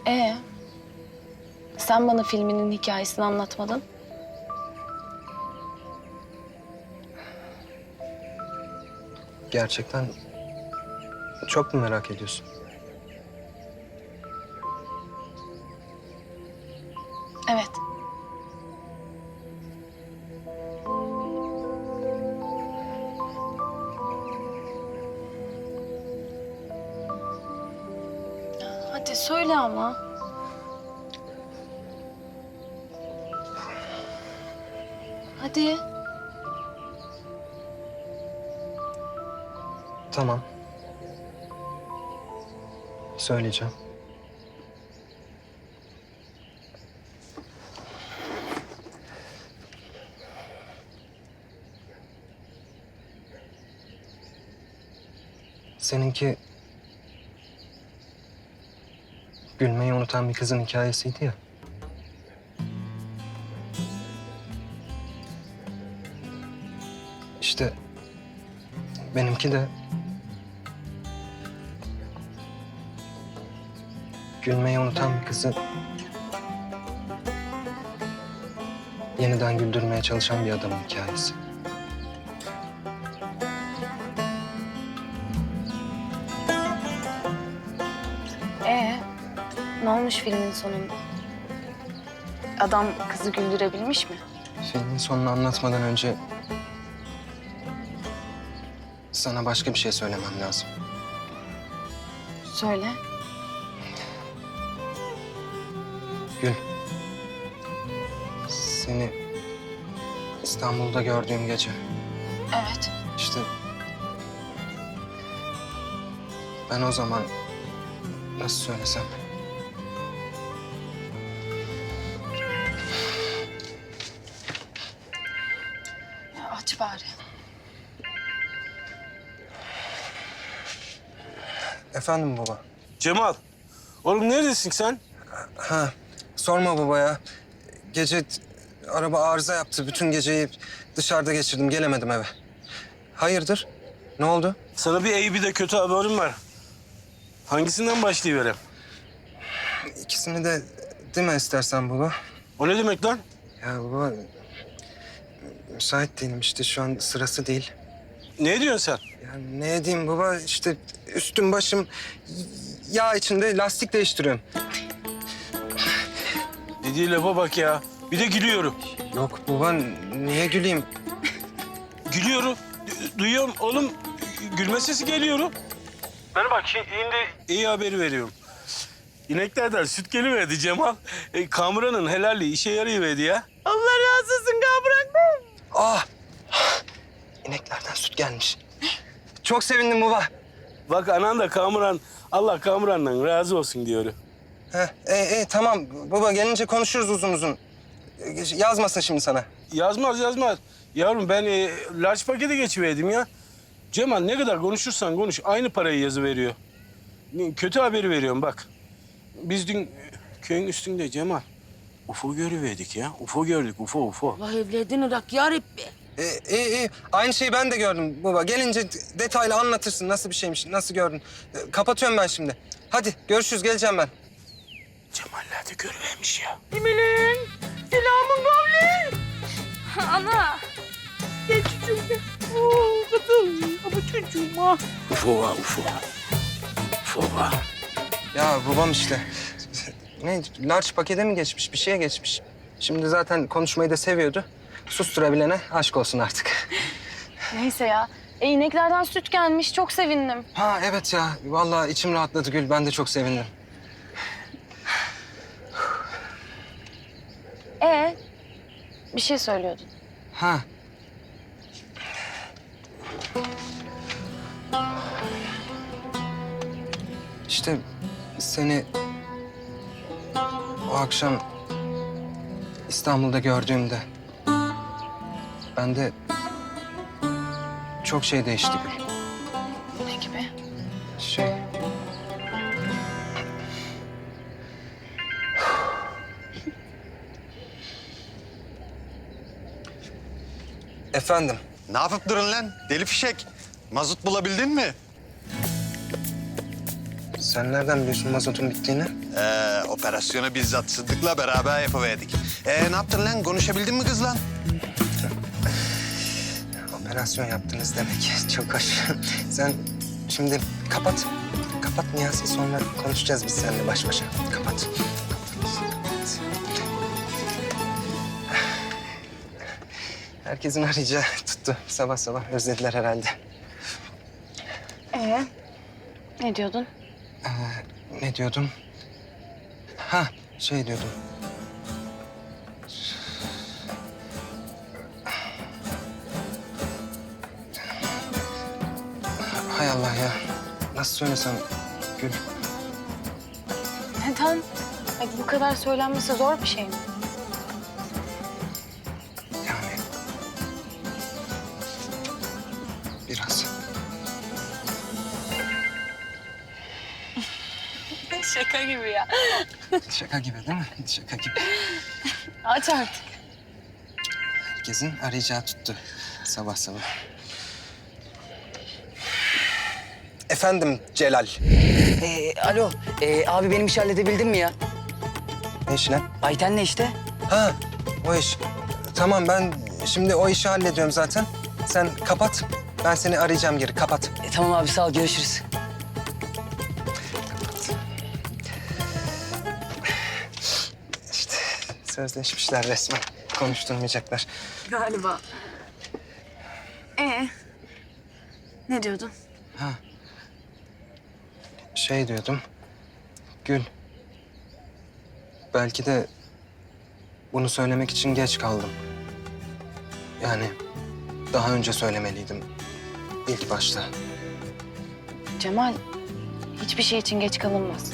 Ee, sen bana filminin hikayesini anlatmadın. Gerçekten çok mu merak ediyorsun? Evet. Hadi söyle ama. Hadi. Tamam. Söyleyeceğim. Seninki gülmeyi unutan bir kızın hikayesiydi ya. İşte benimki de gülmeyi unutan bir kızı yeniden güldürmeye çalışan bir adamın hikayesi. Ne olmuş filmin sonunda? Adam kızı güldürebilmiş mi? Filmin sonunu anlatmadan önce sana başka bir şey söylemem lazım. Söyle. Gül. Seni İstanbul'da gördüğüm gece. Evet. İşte ben o zaman nasıl söylesem? Ya aç bari. Efendim baba. Cemal, oğlum neredesin sen? Ha, sorma baba ya. Gece araba arıza yaptı. Bütün geceyi dışarıda geçirdim. Gelemedim eve. Hayırdır? Ne oldu? Sana bir iyi bir de kötü haberim var. Hangisinden başlayıverem? İkisini de deme istersen baba. O ne demek lan? Ya baba, müsait değilim işte. Şu an sırası değil. Ne diyorsun sen? Ya ne edeyim baba? İşte üstüm başım yağ içinde, lastik değiştiriyorum. Dediği lafa bak ya. Bir de gülüyorum. Yok baba, niye güleyim? Gülüyorum. Duyuyorum oğlum. Gülme sesi geliyorum. Bana bak şimdi iyi haberi veriyorum. İneklerden süt geliverdi Cemal. Kamuran'ın helalliği işe yarayıverdi ya. Allah razı olsun Kamuran. Ah! İneklerden süt gelmiş. Çok sevindim baba. Bak anan da Kamuran, Allah Kamuran'dan razı olsun diyor. Tamam baba, gelince konuşuruz uzun uzun. Yazmasın şimdi sana. Yazmaz. Yavrum ben large pakete geçiverdim ya. Cemal ne kadar konuşursan konuş aynı parayı yazıveriyor. Kötü haberi veriyorum bak. Biz dün köyün üstünde Cemal UFO görüverdik ya. UFO gördük UFO. Allah evledin Irak ya Rabbi. İyi. Aynı şeyi ben de gördüm baba. Gelince detaylı anlatırsın nasıl bir şeymiş, nasıl gördün. Kapatıyorum ben şimdi. Hadi görüşürüz, geleceğim ben. Cemal'ler de görüvermiş ya. Emelin, selamun kavli. Ana. Gel çocuğum gel. Oo kızım, ama çocuğuma. UFO var UFO. UFO var. Ya babam işte. Ne, large pakete mi geçmiş, bir şeye geçmiş. Şimdi zaten konuşmayı da seviyordu. Susturabilene aşk olsun artık. Neyse ya. İneklerden süt gelmiş. Çok sevindim. Ha evet ya, vallahi içim rahatladı Gül. Ben de çok sevindim. Bir şey söylüyordun. Ha. İşte seni o akşam İstanbul'da gördüğümde ben de çok şey değişti Gül. Ne gibi? Şey... Efendim? Ne yapıp durun lan? Deli fişek. Mazot bulabildin mi? Sen nereden biliyorsun mazotun bittiğini? Operasyonu bizzat Sıddık'la beraber yapıverdik. Ne yaptın lan? Konuşabildin mi kızla? Operasyon yaptınız demek. Çok hoş. Sen şimdi kapat. Kapat Niyazi. Sonra konuşacağız biz seninle baş başa. Kapat. Herkesin arayacağı tuttu. Sabah sabah özlediler herhalde. Ne diyordun? Ne diyordum? Ha, şey diyordum. Hay Allah ya. Nasıl söylesem Gül. Neden? Ay, bu kadar söylenmesi zor bir şey mi? Yani... Biraz. Şaka gibi ya. Şaka gibi değil mi? Şaka gibi. Aç artık. Herkesin arayacağı tuttu sabah sabah. Efendim Celal. Alo, abi benim işi halledebildin mi ya? Ne iş lan? Ayten'le işte. Ha, o iş. Tamam ben şimdi o işi hallediyorum zaten. Sen kapat. Ben seni arayacağım geri. Kapat. Tamam abi sağ ol, görüşürüz. İşte sözleşmişler resmen. Konuşturmayacaklar. Galiba. Ne diyordun? Şey diyordum. Gül. Belki de bunu söylemek için geç kaldım. Yani daha önce söylemeliydim. İlk başta. Cemal, hiçbir şey için geç kalınmaz.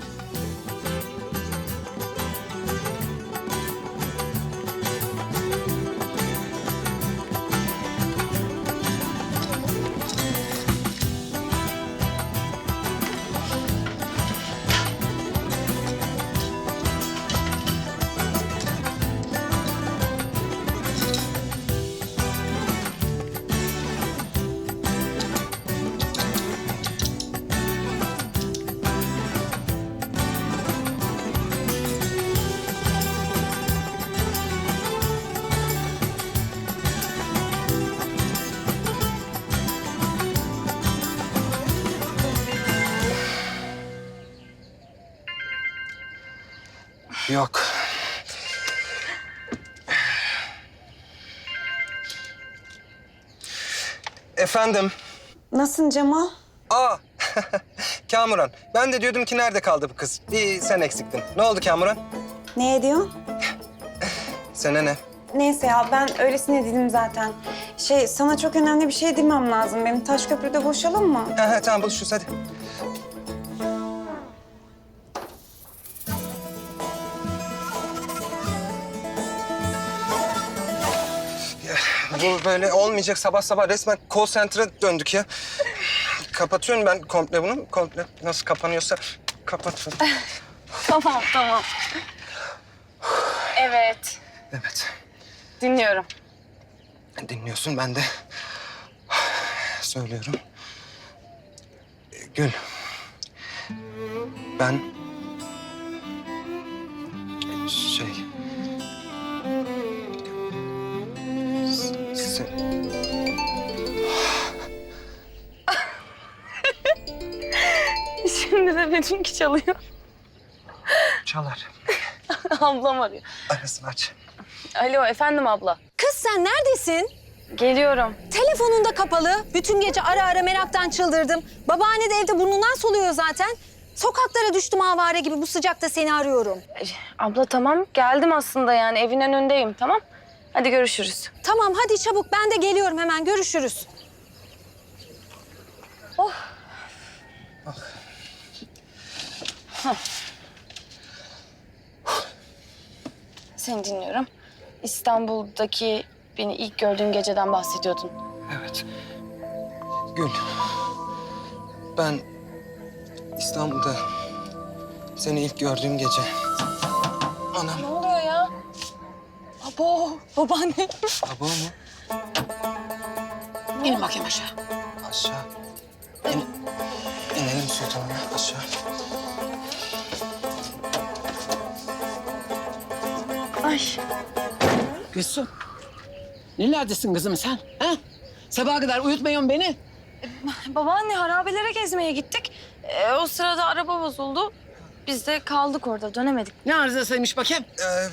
Yok. Efendim. Nasılsın Cemal? Aa, Kamuran. Ben de diyordum ki nerede kaldı bu kız? Bir sen eksiktin. Ne oldu Kamuran? Ne ediyorsun? Sana ne? Neyse ya ben öylesine dedim zaten. Sana çok önemli bir şey demem lazım. Benim Taşköprü'de buluşalım mı? Tamam buluşuruz hadi. Ya, bu böyle olmayacak sabah sabah resmen call center'a döndük ya. Kapatıyorum ben komple bunu. Komple nasıl kapanıyorsa kapatıyorum. Tamam. Evet, Evet. dinliyorum. Dinliyorsun ben de söylüyorum. Gül. Ben şey Şimdi de benimki çalıyor. çalar. Ablam arıyor. Arasını aç. Alo, efendim abla. Kız sen neredesin? Geliyorum. Telefonun da kapalı. Bütün gece ara ara meraktan çıldırdım. Babaanne de evde burnundan soluyor zaten. Sokaklara düştüm avare gibi bu sıcakta seni arıyorum. Abla tamam, geldim aslında yani evin önündeyim, tamam? Hadi görüşürüz. Tamam hadi çabuk ben de geliyorum hemen görüşürüz. Seni dinliyorum. İstanbul'daki beni ilk gördüğün geceden bahsediyordun. Evet. Gül. Ben İstanbul'da seni ilk gördüğüm gece. Anam. Ne oluyor ya? Abo, babaanne. Baba mı? İn bakayım aşağı. Aşağı. İnelim Sultan Ana aşağı. Ay. Gülsüm. Nerelerdesin kızım sen? Ha? Sabaha kadar uyutmuyorsun beni. Babaanne harabelere gezmeye gittik. O sırada araba bozuldu. Biz de kaldık orada, dönemedik. Ne arızasıymış bakayım?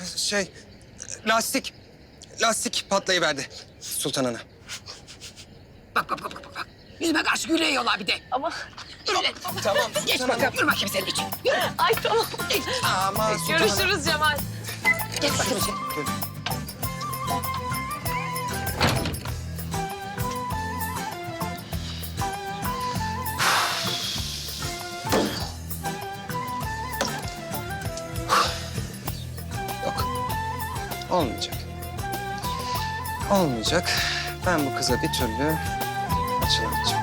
Lastik patlayıverdi Sultan Ana. Bak. Yüzüme karşı gülüyorlar bir de. Ama Tamam Geç Sultan Ana. bakalım, yürü bakayım senin için. Yürü. ay tamam. Aman Sultan Ana. Görüşürüz Cemal. Geç bakayım sen. Yok. Olmayacak. Olmayacak. Ben bu kıza bir türlü açılamayacağım.